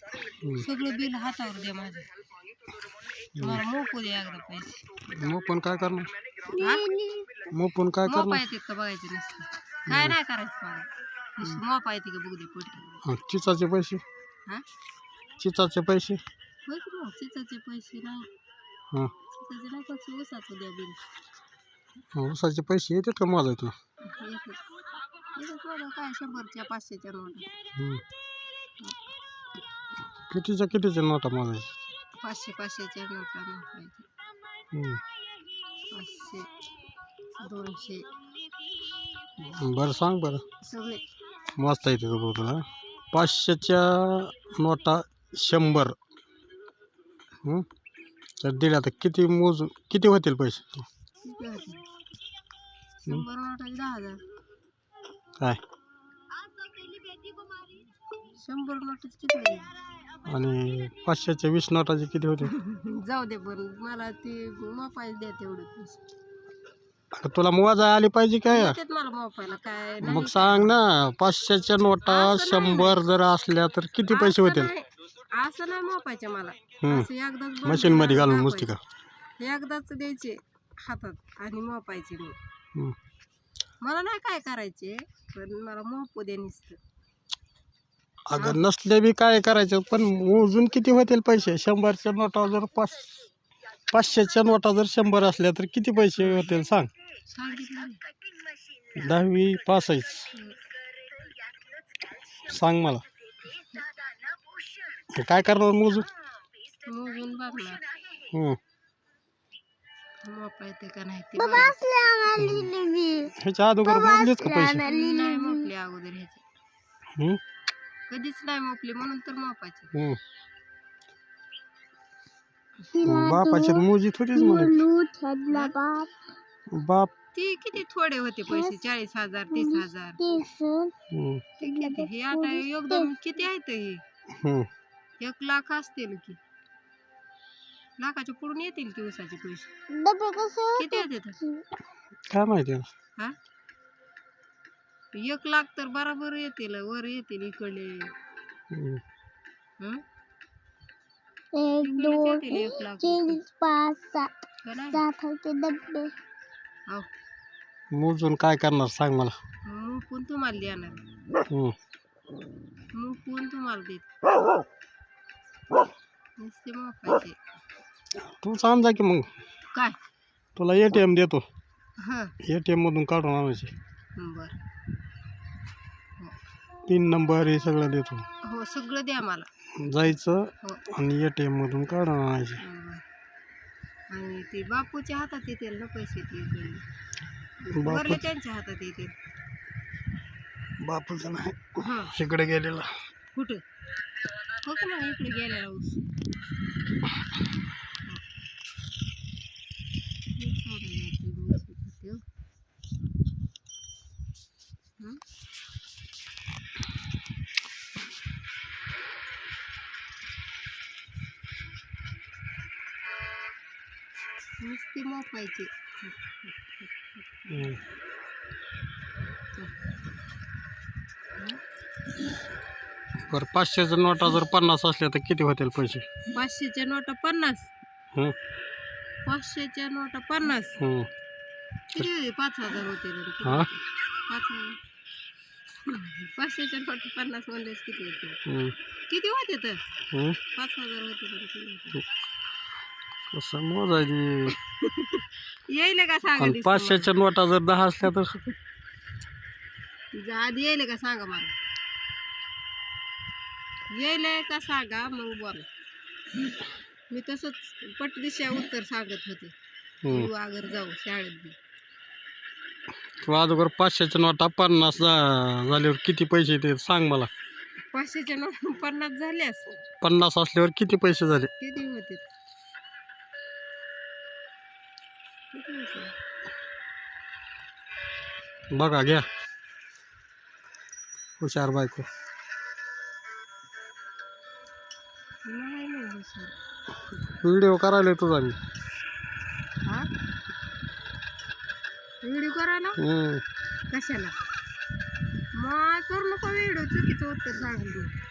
सगळं बिल हातावर द्या माझं. मला मोकू द्या एकदा पैसे. मग पण काय करणार? हा? मग काय मोपा करणार? येते का बघायचं नुसतं. काय नाही करायचं मला. नुसतं मोपा येते का बघू दे पडते. चिचाचे पैसे? हा? चिचाचे पैसे? होय की मग चिचाचे पैसे नाही. हां. चिचाचे नाही फक्त ऊसाचं द्या बिल. ऊसाचे पैसे येतात का मोजायचे? येतात बघा काय 100च्या 500च्या नोटा. कितीच्या नोटा मोजायच्या? 500च्या नोटा मोजायच्या. 500 200 बरं सांग बरं. सगळे मोजता येते का बघ तुला? 500च्या नोटा 100 तर दिल्या तर किती होतील पैसे? किती होते? 100 नोटाचे 10,000. काय? 100 नोटाचे किती होते? आणि 500च्या 20 नोटाचे किती होते? जाऊ दे पण मला ते मोबाईल द्या तेवढे पैसे. आता तुला मोजा आली पाहिजे काय? येतात मला मोबाईलला काय नाही. मग सांग ना. 500च्या नोटा 100 जर असल्या तर किती पैसे होतील? असं नाही मोपायचे मला. असं एकदाच मशीन मध्ये घालून नुसती का? एकदाच द्यायचे हातात आणि मोपायचे मी. मला नाही काय करायचे पण मला मोपू दे नुसतं. अगं नसले बी काय करायचं पण मोजून किती होतील पैसे? 100च्या नोटा जर 500च्या नोटा जर 100 असल्या तर किती पैसे होतील सांग? सांगितलं 10वी पास आहेस सांग मला. काय करणार मोजून? मोजून बघणार मोपा येते का नाही ते. ह्याच्या अगोदर मोजलेच का पैसे? नाही मोपले अगोदर ह्याचे. कधीच नाही मोपले म्हणून तर मोपायचे. बापाचे मोजीत होतीच म्हणे. बाप ती किती थोडे होते पैसे 40,000 30,000. ते किती हे आता एकदम किती आहेत हे? 1 लाख असतील की. लाखाच्या पुढून येतील की ऊसाचे पैसे. किती येतात काय माहिती? हा? 1 लाख तर बरोबर येतील वर येतील इकडे. 1 2 3 4 5 6 मोजून काय करणार सांग मला. मुकून तुम्हाला देणार. मुकून तुम्हाला देत नुसते मोकायचे. तू सांग जा की मग. काय तुला ATM देतो. हां ATM मधून काढून आणायचे. बरं. पिन नंबर हे सगळं देतो. हो सगळं द्या मला. जायचं हो आणि ATM मधून काढून आणायचे. आणि ते बापूच्या हातात येतील ना पैसे. ते वरले त्यांच्या हातात येतील. बापूचं नाही हां इकडे गेलेला. कुठं? हो का मग इकडे गेलेला ऊस. नुसती मोपायची. बरं 500च्या नोटा जर 50 असल्या तर किती होतील पैसे? 500च्या नोटा 50. 500च्या नोटा 50 किती? 5,000 होते. 500च्या नोटा 50 म्हणलेच किती होते? किती होते तर 5,000 होते. कसं मोजायची? येईल का सांगा. 500च्या नोटा जर 10 असल्या तर आधी येईल का सांगा मला. येईल का सांगा मग बोला. मी तसंच पटदिशा उत्तर सांगत होते. अगर जाऊ शाळेत बी. तू अगोदर 500च्या नोटा 50 झाल्यावर किती पैसे येते सांग मला. 500च्या नोटा 50 झाल्यास 50 असल्यावर किती पैसे झाले? किती होते? बघा घ्या हुशार बायको. नाही सर. व्हिडिओ करायला तुझा मी. हा व्हिडिओ करायला कशाला? मग करू नको व्हिडिओ. चुकीचं उत्तर सांगतो.